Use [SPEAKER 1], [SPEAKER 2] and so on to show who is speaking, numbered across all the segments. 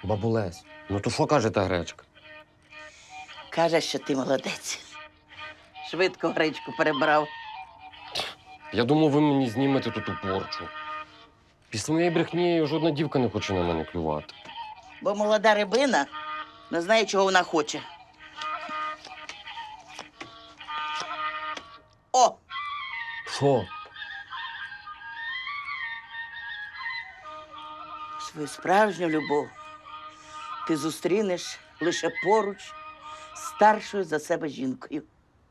[SPEAKER 1] Бабулесь, ну то що каже та гречка?
[SPEAKER 2] Каже, що ти молодець. Швидко гречку перебрав.
[SPEAKER 1] Я думав, ви мені знімете тут у порчу. Після моєї брехні жодна дівка не хоче на мене клювати.
[SPEAKER 2] Бо молода рибина не знає, чого вона хоче. О!
[SPEAKER 1] Що?
[SPEAKER 2] Свою справжню любов ти зустрінеш лише поруч з старшою за себе жінкою.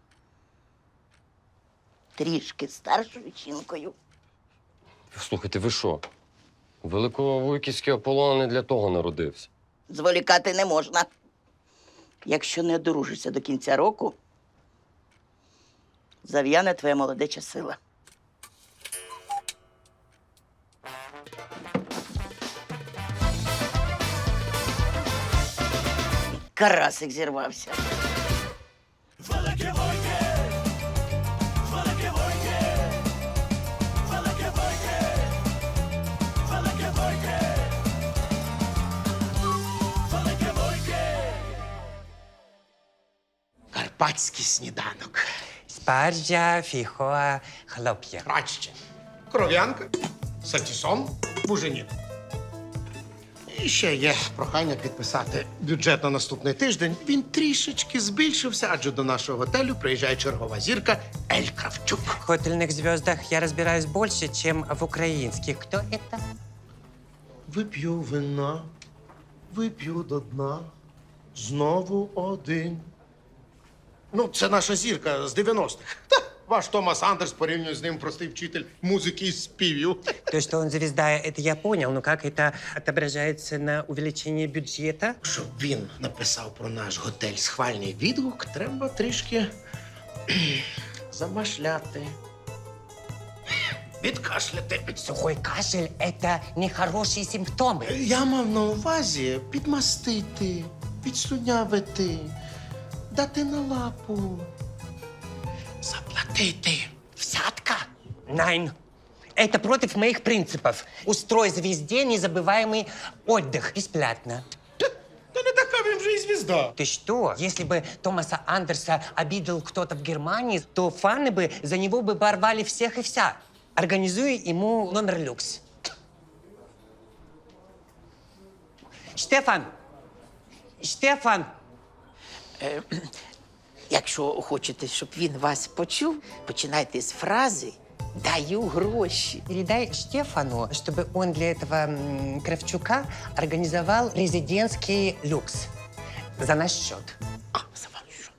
[SPEAKER 2] Трішки старшою жінкою.
[SPEAKER 1] Слухайте, ви що? Великовуйківський Аполлон не для того народився.
[SPEAKER 2] Зволікати не можна. Якщо не одружишся до кінця року, зав'яне твоя молодеча сила. Карасик зірвався.
[SPEAKER 3] Карпатський сніданок.
[SPEAKER 4] Спаржа, фіхоа, хлоп'я.
[SPEAKER 3] Краще. Кров'янка, сатісон, буженін. І ще є прохання підписати бюджет на наступний тиждень. Він трішечки збільшився, адже до нашого готелю приїжджає чергова зірка Ель Кравчук.
[SPEAKER 4] В хотельных звездах я разбираюсь больше, чем в украинских. Кто это?
[SPEAKER 3] Вип'ю вина, вип'ю до дна, знову один. Ну, це наша зірка з 90-х. Та, ваш Томас Андерс порівнює з ним простий вчитель музики і співів.
[SPEAKER 4] То, что он звезда, это я понял, но как это отображается на увеличении бюджета?
[SPEAKER 3] Щоб він написав про наш готель схвальний відгук, треба трішки замашляти. Відкашляти.
[SPEAKER 4] Сухой кашель – это нехорошие симптомы.
[SPEAKER 3] Я мав на увазі підмастити, підслюнявити, дати на лапу, заплатити.
[SPEAKER 4] Взятка? Найн. Это против моих принципов. Устрой звезде незабываемый отдых. Бесплатно.
[SPEAKER 3] Та не така він вже і звізда.
[SPEAKER 4] Ты что? Если бы Томаса Андерса обидел кто-то в Германии, то фаны бы за него бы порвали всех и вся. Организуй ему номер люкс. Штефан! Штефан!
[SPEAKER 2] Якщо хочете, щоб він вас почув, починайте з фрази «даю гроші».
[SPEAKER 4] Передай Штефану, чтобы он для этого Кравчука организовал резидентский люкс. За наш счет.
[SPEAKER 2] А, за ваш що?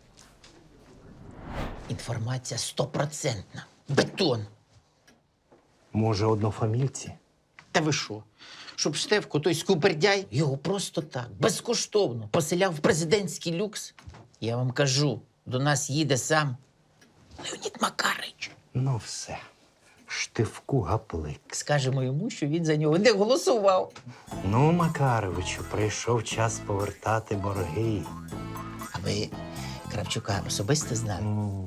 [SPEAKER 2] Інформація стопроцентна. Бетон.
[SPEAKER 5] Може, однофамільці?
[SPEAKER 6] Та ви що? Щоб Штефко, той скупердяй, його просто так, безкоштовно поселяв в президентський люкс. Я вам кажу, до нас їде сам Леонід Макарич.
[SPEAKER 5] Ну все. Штивку гаплик.
[SPEAKER 6] Скажемо йому, що він за нього не голосував.
[SPEAKER 5] Ну, Макаровичу, прийшов час повертати борги.
[SPEAKER 6] А ви Кравчука особисто знали?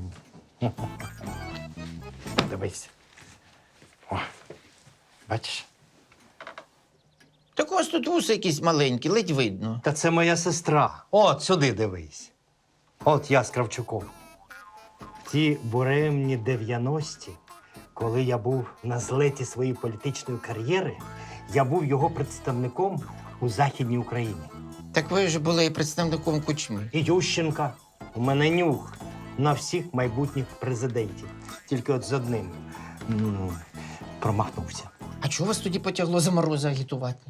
[SPEAKER 5] Дивись. О, бачиш?
[SPEAKER 6] Так у вас тут вуси якісь маленькі, ледь видно.
[SPEAKER 5] Та це моя сестра. От сюди дивись. От я з Кравчуком. Ті буремні 90-ті, коли я був на злеті своєї політичної кар'єри, я був його представником у Західній Україні.
[SPEAKER 6] Так ви ж були представником Кучми.
[SPEAKER 5] І Ющенка. У мене нюх на всіх майбутніх президентів. Тільки от з одним промахнувся.
[SPEAKER 6] А чого вас тоді потягло за Мороза агітувати?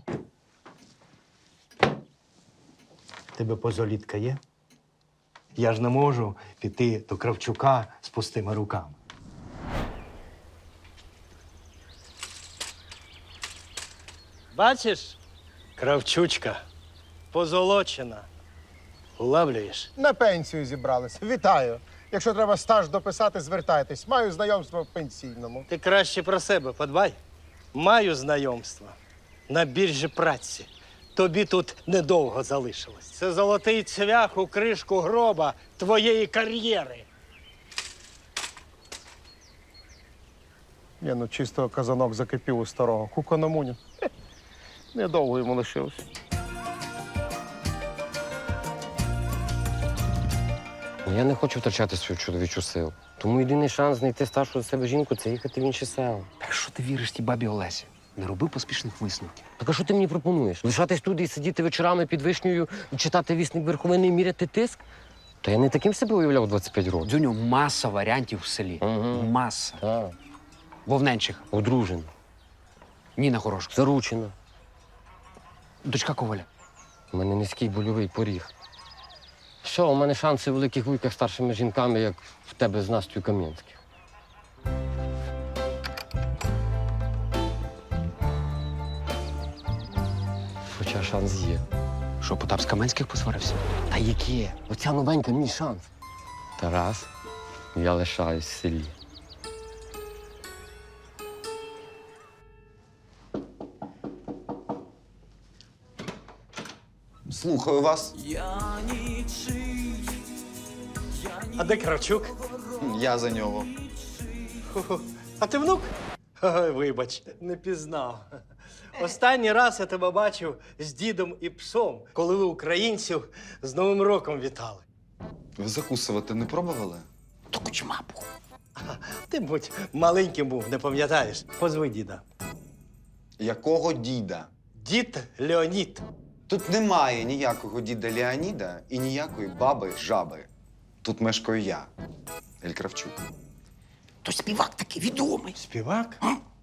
[SPEAKER 5] Тебе позолітка є? Я ж не можу піти до Кравчука з пустими руками.
[SPEAKER 7] Бачиш, Кравчучка, позолочена. Улавлюєш?
[SPEAKER 8] На пенсію зібрались. Вітаю. Якщо треба стаж дописати, звертайтесь. Маю знайомство в пенсійному.
[SPEAKER 7] Ти краще про себе подбай. Маю знайомство на біржі праці. Тобі тут недовго залишилось. Це золотий цвях у кришку гроба твоєї кар'єри.
[SPEAKER 8] Ні, ну чисто казанок закипів у старого. Кукономунін. Недовго йому лишилось.
[SPEAKER 1] Ну, я не хочу втрачати свою чоловічу силу. Тому єдиний шанс знайти старшу за себе жінку це їхати в інші села.
[SPEAKER 9] Так що ти віриш тій бабі Олесі? Не роби поспішних висновків.
[SPEAKER 1] Так а що ти мені пропонуєш? Лишатись тут і сидіти вечорами під вишнею, читати вісник Верховини і міряти тиск? Та я не таким себе уявляв 25 років.
[SPEAKER 9] Дзюню, маса варіантів в селі.
[SPEAKER 1] Ага.
[SPEAKER 9] Маса.
[SPEAKER 1] Так.
[SPEAKER 9] Вовненчиха,
[SPEAKER 1] Одружена,
[SPEAKER 9] Ніна Хорошка,
[SPEAKER 1] заручена.
[SPEAKER 9] дочка Коваля.
[SPEAKER 1] У мене низький больовий поріг. Що, у мене шанси в великих вуйках старшими жінками, як в тебе з Настю Кам'янських. Хоча шанс є.
[SPEAKER 9] Що, Потап з Каменських посварився?
[SPEAKER 1] Та яке? Оця новенька мій шанс. Тарас, я лишаюсь в селі.
[SPEAKER 10] Слухаю вас.
[SPEAKER 7] А де Кравчук?
[SPEAKER 10] Я за нього.
[SPEAKER 7] Хо-хо. А ти внук? Ой, вибач, не пізнав. Останній раз я тебе бачив з дідом і псом, коли ви українців з Новим роком вітали.
[SPEAKER 10] Ви закусувати не пробували?
[SPEAKER 9] То кучма був.
[SPEAKER 7] Ти, будь, маленьким був, не пам'ятаєш. Позви діда.
[SPEAKER 10] Якого діда?
[SPEAKER 7] Дід Леонід.
[SPEAKER 10] Тут немає ніякого діда Леоніда і ніякої баби Жаби. Тут мешкаю я, Ель Кравчук.
[SPEAKER 9] То співак такий відомий.
[SPEAKER 7] Співак?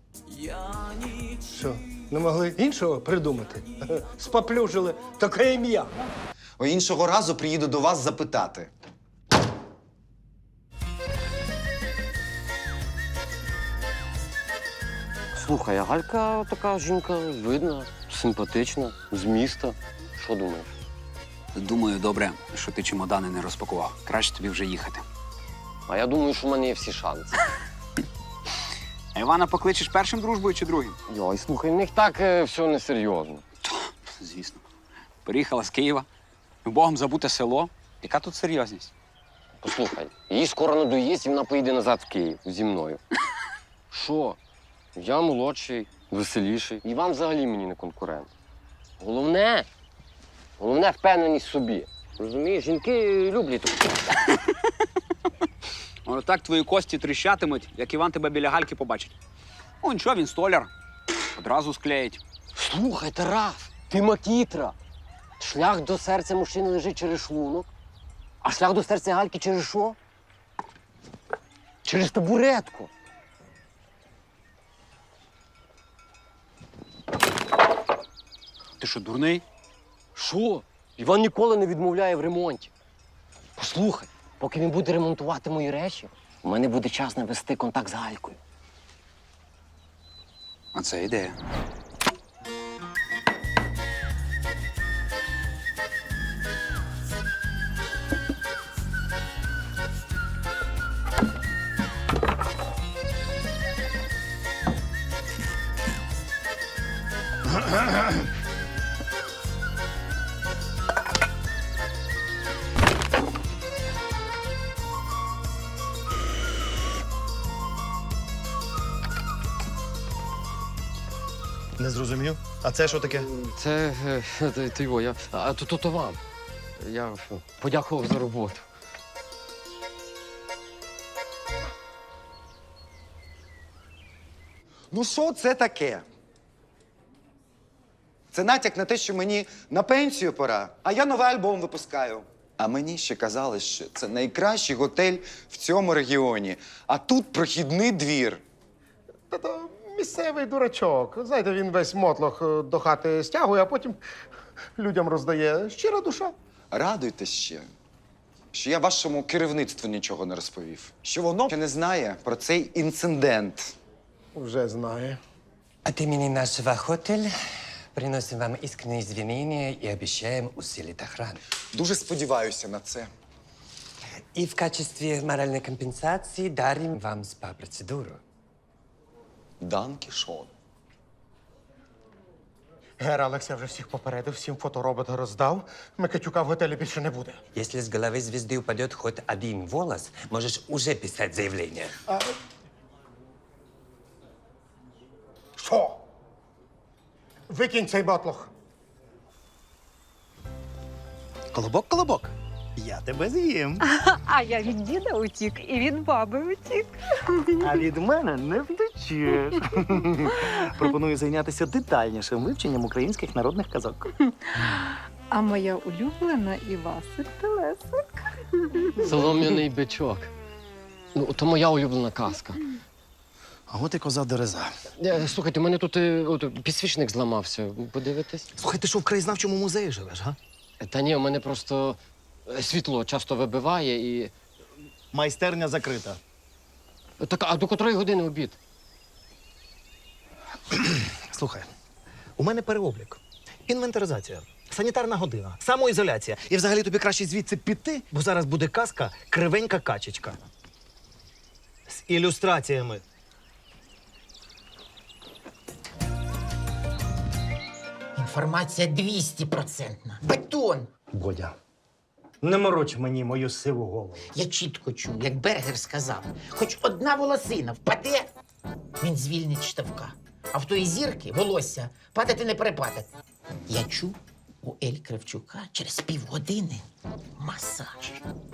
[SPEAKER 7] Що, не могли іншого придумати? Споплюжили таке ім'я.
[SPEAKER 10] О, іншого разу приїду до вас запитати.
[SPEAKER 1] Слухай, а Галька така жінка видна, симпатична, з міста. Що думаєш?
[SPEAKER 9] Думаю, добре, що ти чемодани не розпакував. Краще тобі вже їхати.
[SPEAKER 1] А я думаю, що в мене є всі шанси.
[SPEAKER 9] А Івана покличеш першим дружбою чи другим?
[SPEAKER 1] Йой, слухай, в них так все несерйозно.
[SPEAKER 9] Звісно. Приїхала з Києва. Богом забуте село. Яка тут серйозність?
[SPEAKER 1] Послухай, їй скоро надоїсть, і вона поїде назад в Київ зі мною. Що? Я молодший, веселіший. Іван взагалі мені не конкурент. Головне впевненість в собі. Розумієш, жінки люблять таке.
[SPEAKER 9] Воно так твої кості тріщатимуть, як Іван тебе біля Гальки побачить. О, нічого, він столяр. Одразу склеїть.
[SPEAKER 1] Слухай, Тарас, ти макітра. Шлях до серця мужчини лежить через шлунок, а шлях до серця Гальки через що? Через табуретку.
[SPEAKER 9] Ти що, дурний?
[SPEAKER 1] Що? Іван ніколи не відмовляє в ремонті. Послухай, поки він буде ремонтувати мої речі, у мене буде час навести контакт з Галькою.
[SPEAKER 9] А це ідея.
[SPEAKER 3] Не зрозумів. А це що таке?
[SPEAKER 1] Це ти його, то вам. Я подякував за роботу.
[SPEAKER 10] Ну що це таке? Це натяк на те, що мені на пенсію пора, а я новий альбом випускаю. А мені ще казали, що це найкращий готель в цьому регіоні. А тут прохідний двір.
[SPEAKER 8] Та-то місцевий дурачок. Знаєте, він весь мотлох до хати стягує, а потім людям роздає. Щира душа.
[SPEAKER 10] Радуйтесь ще, що я вашому керівництву нічого не розповів. Що воно ще не знає про цей інцидент.
[SPEAKER 8] Вже знає.
[SPEAKER 4] От имени нашего отеля приносим вам искренние извинения и обещаем усилить охрану.
[SPEAKER 10] Дуже сподіваюся на це.
[SPEAKER 4] И в качестве моральной компенсации дарим вам спа-процедуру.
[SPEAKER 10] Дан Кішон.
[SPEAKER 8] Гера Олекса вже всіх попередив, всім фоторобота роздав. Микитюка в готелі більше не буде.
[SPEAKER 4] Если с головы звезды упадет хоть один волос, можешь уже писать заявление.
[SPEAKER 8] Що? Викинь цей мотлох.
[SPEAKER 9] Колобок, колобок.
[SPEAKER 5] Я тебе з'їм.
[SPEAKER 11] А я від діда утік і від баби утік.
[SPEAKER 12] А від мене не втечеш. Пропоную зайнятися детальнішим вивченням українських народних казок.
[SPEAKER 11] А моя улюблена Івасик Телесик.
[SPEAKER 1] Солом'яний бичок. Ну, то моя улюблена казка.
[SPEAKER 12] А от і коза Дереза.
[SPEAKER 1] Слухайте, у мене тут підсвічник зламався. Подивитесь?
[SPEAKER 12] Слухай, ти що в краєзнавчому музеї живеш, га?
[SPEAKER 1] Та ні, у мене просто світло часто вибиває і.
[SPEAKER 12] Майстерня закрита.
[SPEAKER 1] Так, а до котрої години обід?
[SPEAKER 12] Слухай, у мене переоблік, інвентаризація, санітарна година, самоізоляція. І взагалі тобі краще звідси піти, бо зараз буде казка «Кривенька качечка». З ілюстраціями.
[SPEAKER 6] Інформація 200%. Бетон!
[SPEAKER 5] Бодя, не мороч мені мою сиву голову.
[SPEAKER 6] Я чітко чув, як Бергер сказав, хоч одна волосина впаде, він звільнить штовка. А в тої зірки волосся падати не перепадати. Я чув у Ель Кравчука через півгодини масаж.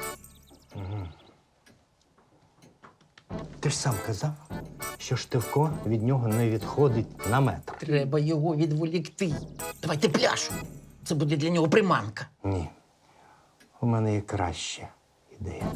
[SPEAKER 5] Ти ж сам казав, що Штивко від нього не відходить на метр.
[SPEAKER 6] Треба його відволікти. Давайте пляшу. Це буде для нього приманка.
[SPEAKER 5] Ні. У мене є краща ідея.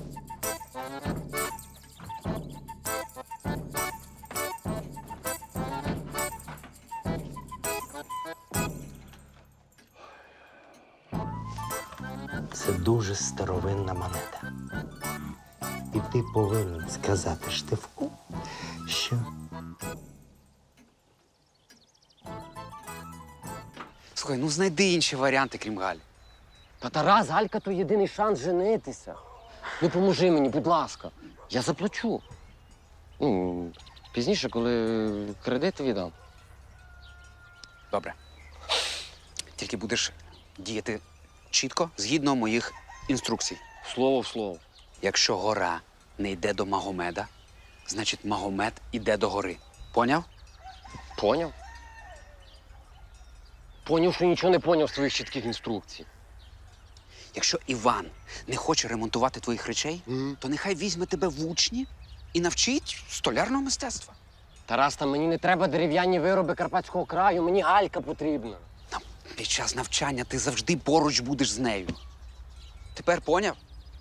[SPEAKER 5] Це дуже старовинна монета. І ти повинен сказати Штивку, що
[SPEAKER 9] Слухай, ну знайди інші варіанти, крім Галі.
[SPEAKER 1] Та Тарас, Галька то єдиний шанс женитися. Ну, поможи мені, будь ласка. Я заплачу. Ну, пізніше, коли кредит віддам.
[SPEAKER 9] Добре. Тільки будеш діяти чітко, згідно моїх інструкцій.
[SPEAKER 1] Слово в слово.
[SPEAKER 9] Якщо гора не йде до Магомеда, значить Магомед іде до гори. Поняв?
[SPEAKER 1] Поняв? Поняв, що нічого не поняв з твоїх чітких інструкцій.
[SPEAKER 9] Якщо Іван не хоче ремонтувати твоїх речей, то нехай візьме тебе в учні і навчить столярного мистецтва.
[SPEAKER 1] Тарас, та мені не треба дерев'яні вироби Карпатського краю, мені Галька потрібна.
[SPEAKER 9] Під час навчання ти завжди поруч будеш з нею. Тепер поняв?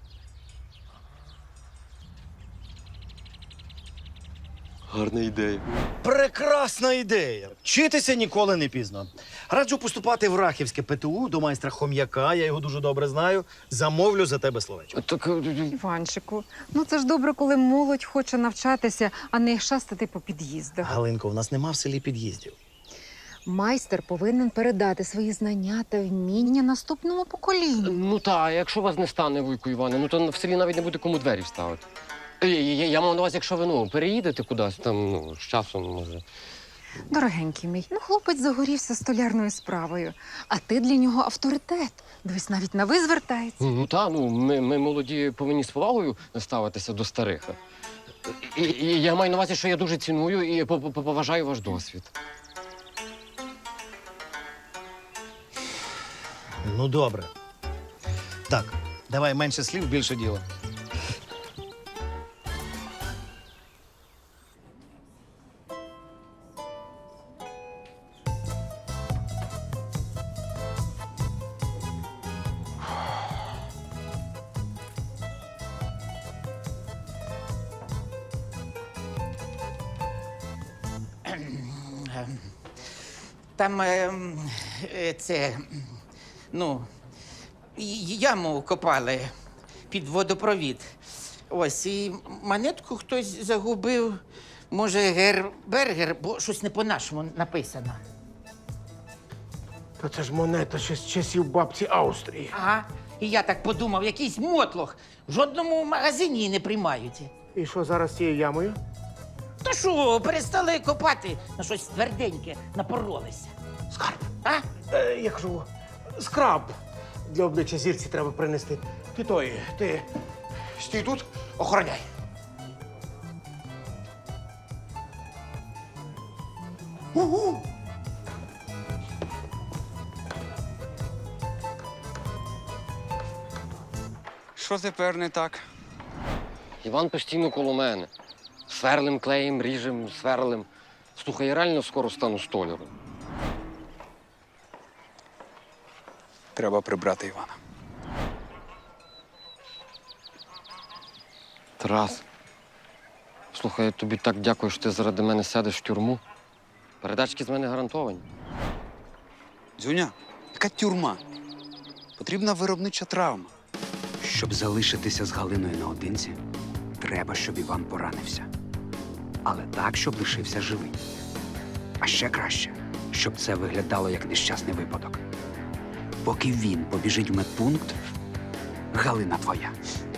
[SPEAKER 1] Гарна ідея.
[SPEAKER 12] Прекрасна ідея. Вчитися ніколи не пізно. Раджу поступати в Рахівське ПТУ до майстра Хом'яка, я його дуже добре знаю. Замовлю за тебе словечко.
[SPEAKER 1] Так,
[SPEAKER 11] Іванчику, ну це ж добре, коли молодь хоче навчатися, а не шастати по під'їздах.
[SPEAKER 12] Галинко, у нас нема в селі під'їздів.
[SPEAKER 11] Майстер повинен передати свої знання та вміння наступному поколінню.
[SPEAKER 1] ну та, а якщо вас не стане, Вуйку Іване, ну то в селі навіть не буде кому двері вставити. Я мав на увазі, якщо ви переїдете кудись, там, з часом, може.
[SPEAKER 11] Дорогенький мій, ну хлопець загорівся столярною справою, а ти для нього авторитет. Дивись, навіть на ви звертається.
[SPEAKER 1] Ну та, ми молоді повинні з повагою ставитися до старих. І я маю на увазі, що я дуже ціную і поважаю ваш досвід.
[SPEAKER 12] Ну, добре. Так, давай менше слів, більше діла.
[SPEAKER 6] Там яму копали під водопровід. Ось, і монетку хтось загубив. Може, Бергер, бо щось не по-нашому написано.
[SPEAKER 8] Та це ж монета ще з часів бабці Австрії.
[SPEAKER 6] Ага. І я так подумав, якийсь мотлох. В жодному магазині її не приймають.
[SPEAKER 8] І що зараз з цією ямою?
[SPEAKER 6] Та що, перестали копати на щось тверденьке, напоролися.
[SPEAKER 8] Скарб.
[SPEAKER 6] А?
[SPEAKER 8] Я кажу, скраб для обличчя зірці треба принести. Ти стій тут, охороняй. Угу.
[SPEAKER 9] що тепер не так?
[SPEAKER 1] Іван постійно коло мене. Сверлим, клеєм, ріжем, сверлим. Слухай, я реально скоро стану столяром.
[SPEAKER 9] Треба прибрати Івана.
[SPEAKER 1] Тарас, слухай, я тобі так дякую, що ти заради мене сядеш в тюрму. Передачки з мене гарантовані.
[SPEAKER 9] Дзюня, яка тюрма? Потрібна виробнича травма. Щоб залишитися з Галиною наодинці, треба, щоб Іван поранився. Але так, щоб лишився живий. А ще краще, щоб це виглядало як нещасний випадок. Поки він побіжить в медпункт, Галина твоя.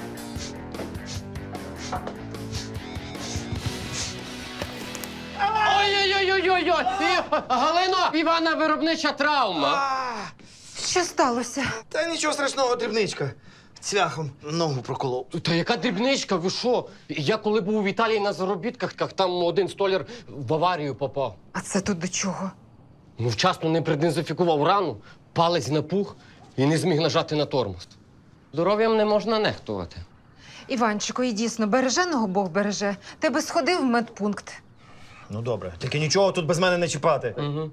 [SPEAKER 1] Ой-ой-ой-ой-ой! Галино! Івана виробнича травма!
[SPEAKER 11] Що сталося?
[SPEAKER 12] Та нічого страшного, дрібничка. Цвяхом ногу проколов.
[SPEAKER 1] Та яка дрібничка, ви що? Я коли був в Італії на заробітках, там один столяр в аварію попав.
[SPEAKER 11] А це тут до чого?
[SPEAKER 1] Ну, вчасно не продезінфікував рану, палець напух і не зміг нажати на тормоз. Здоров'ям не можна нехтувати.
[SPEAKER 11] Іванчику, і дійсно, береженого Бог береже. Ти би сходив в медпункт.
[SPEAKER 12] Ну добре, тільки нічого тут без мене не чіпати.
[SPEAKER 1] Угу.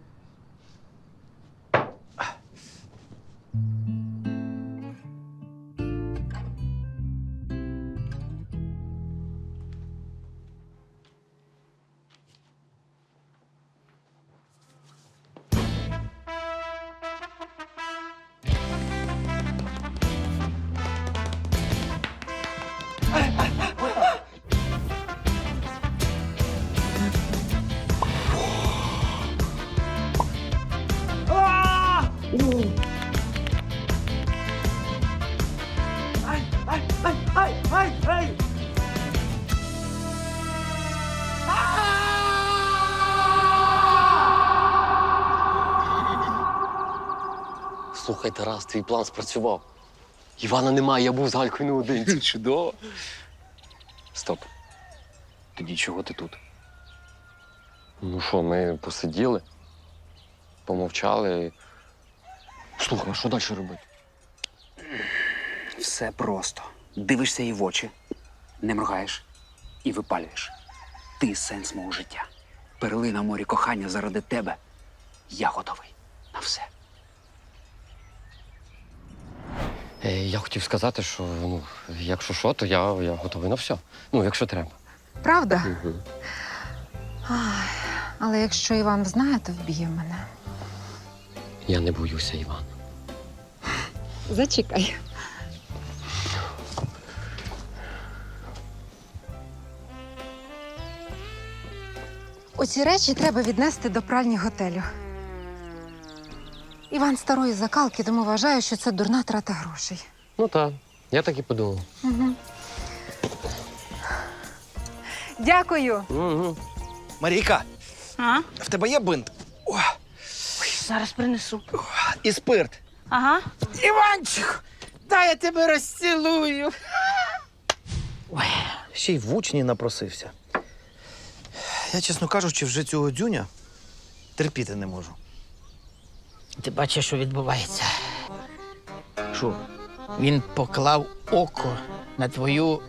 [SPEAKER 1] Слухай, Тарас, твій план спрацював. Івана немає, я був з Галькою наодинці.
[SPEAKER 9] Чудово. Стоп. Тоді чого ти тут?
[SPEAKER 1] Ну що, ми посиділи, помовчали. Слухай, а що далі робити?
[SPEAKER 9] Все просто. Дивишся їй в очі, не моргаєш і випалюєш. Ти сенс мого життя. Перлина в морі кохання заради тебе. Я готовий на все.
[SPEAKER 1] Я хотів сказати, що ну, якщо що, то я готовий на все. Ну, якщо треба.
[SPEAKER 11] Правда?
[SPEAKER 1] Угу.
[SPEAKER 11] Ай, але якщо Іван знає, то вб'є мене.
[SPEAKER 1] Я не боюся, Іван.
[SPEAKER 11] Зачекай. Оці речі треба віднести до пральні готелю. Іван старої закалки, тому вважаю, що це дурна трата грошей.
[SPEAKER 1] Ну так, я так і подумав.
[SPEAKER 11] Угу. Дякую.
[SPEAKER 1] Угу.
[SPEAKER 12] Марійка,
[SPEAKER 2] А?
[SPEAKER 12] в тебе є бинт? О,
[SPEAKER 2] Зараз принесу.
[SPEAKER 12] і спирт.
[SPEAKER 2] Ага.
[SPEAKER 6] Іванчик, дай я тебе розцілую.
[SPEAKER 12] Ще й в учні напросився. Я, чесно кажучи, вже цього дзюня терпіти не можу.
[SPEAKER 6] Ти бачиш, що відбувається?
[SPEAKER 12] Що?
[SPEAKER 6] Він поклав око на твою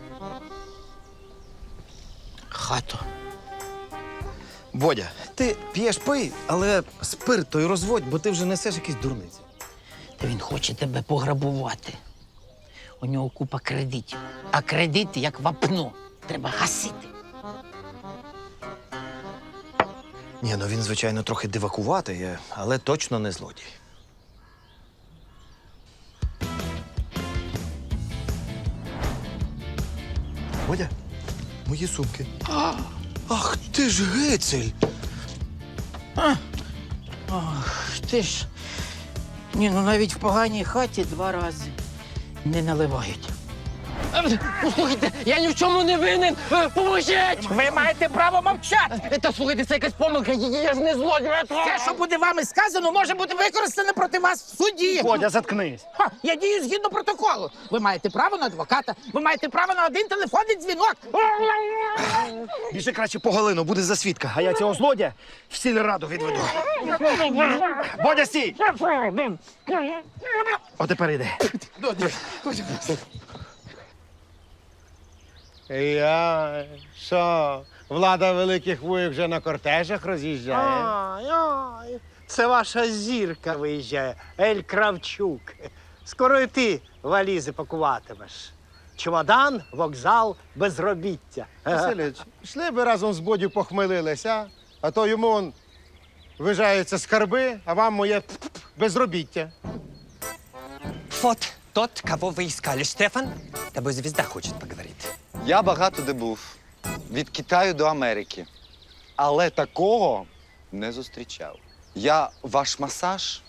[SPEAKER 6] хату.
[SPEAKER 12] Бодя, ти п'єш пий, але спирт той розводь, бо ти вже несеш якісь дурниці.
[SPEAKER 6] Та він хоче тебе пограбувати. У нього купа кредитів. А кредити як вапно. Треба гасити.
[SPEAKER 12] Ні, ну він, звичайно, трохи дивакуватий, але точно не злодій. Бодя, мої сумки. Ах, ти ж гицель!
[SPEAKER 6] Ох, ти ж. Ні, ну навіть в поганій хаті 2 рази не наливають.
[SPEAKER 1] Слухайте, я ні в чому не винен! Поможіть!
[SPEAKER 6] Ви маєте право мовчати!
[SPEAKER 1] Та слухайте, це якась помилка, я ж не злодій!
[SPEAKER 6] Те, що буде вами сказано, може бути використане проти вас в суді.
[SPEAKER 12] Бодя, заткнись.
[SPEAKER 6] Ха, я дію згідно протоколу. Ви маєте право на адвоката, ви маєте право на 1 телефонний дзвінок.
[SPEAKER 12] Біжи краще по Галину, буде за свідка, а я цього злодя в сільраду відведу. Бодя, стій! О, тепер йди.
[SPEAKER 3] Я що, влада великих вуїк вже на кортежах роз'їжджає?
[SPEAKER 7] Ай, це ваша зірка виїжджає, Ель Кравчук. Скоро і ти валізи пакуватимеш. Чемодан, вокзал, безробіття.
[SPEAKER 3] Василич, йшли би разом з Бодю похмелилися, а то йому он вижаються скарби, а вам моє безробіття.
[SPEAKER 4] Вот тот, кого вы искали, Штефан. Тобой звезда хочет поговорить.
[SPEAKER 10] Я багато де був. Від Китаю до Америки. Але такого не зустрічав. Я ваш масаж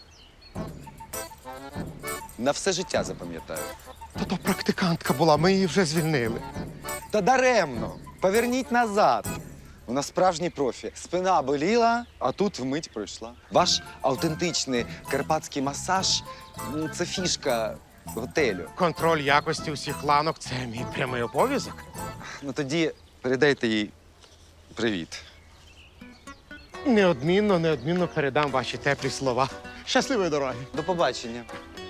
[SPEAKER 10] на все життя запам'ятаю.
[SPEAKER 3] Та то практикантка була, ми її вже звільнили.
[SPEAKER 10] Та даремно. Поверніть назад. Вона справжній профі. Спина боліла, а тут вмить пройшла. Ваш автентичний карпатський масаж це фішка готелю.
[SPEAKER 3] Контроль якості усіх ланок це мій прямий обов'язок.
[SPEAKER 10] Ну тоді передайте їй привіт.
[SPEAKER 3] Неодмінно передам ваші теплі слова. Щасливої дороги.
[SPEAKER 10] До побачення.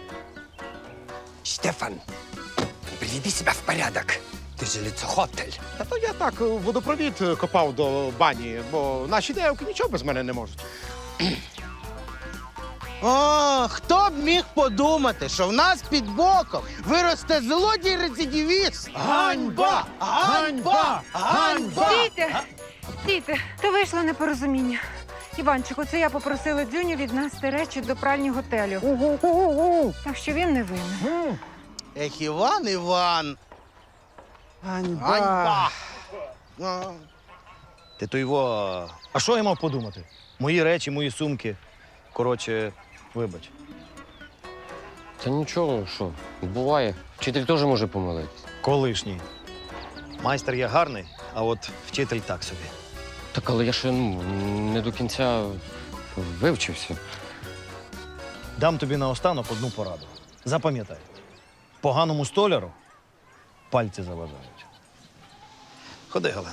[SPEAKER 4] Штефан, приведи себя в порядок. Ты же лицо хотель.
[SPEAKER 3] Та то я так водопровід копав до бані, бо наші девки нічого без мене не можуть.
[SPEAKER 13] О, хто б міг подумати, що в нас під боком виросте злодій-рецидивіст? Ганьба! Ганьба! Ганьба!
[SPEAKER 11] Стійте! Стійте! То вийшло непорозуміння. Іванчику, це я попросила Дзюню віднести речі до пральні готелю. Так що він не винен.
[SPEAKER 13] Ех, Іван! Ганьба!
[SPEAKER 12] Ти то його. А що я мав подумати? Мої речі, мої сумки. Коротше, вибач.
[SPEAKER 1] Та нічого, що, буває. Вчитель теж може помилитись.
[SPEAKER 12] Колишній. Майстер я гарний, а от вчитель так собі.
[SPEAKER 1] Так, але я ще не до кінця вивчився.
[SPEAKER 12] Дам тобі наостанок одну пораду. Запам'ятай, поганому столяру пальці заважають. Ходи, Галина.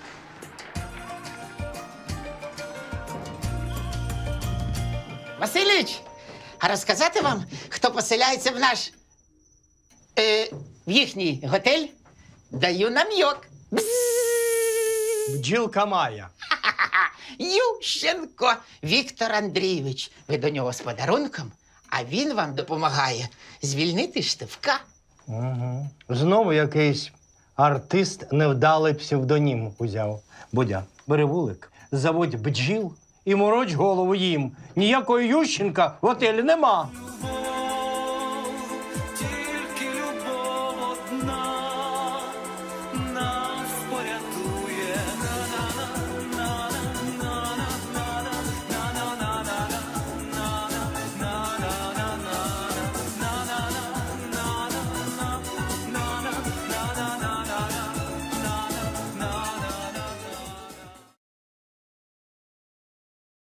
[SPEAKER 6] Василіч, а розказати вам, хто поселяється в наш в їхній готель? Даю нам'йок.
[SPEAKER 12] Бджілка Майя.
[SPEAKER 6] Ющенко Віктор Андрійович. Ви до нього з подарунком, а він вам допомагає звільнити Штивка.
[SPEAKER 5] Угу. Знову якийсь артист невдалий псевдонім узяв. Будя, бери вулик, заводь бджіл і мороч голову їм. Ніякого Ющенка в готелі нема.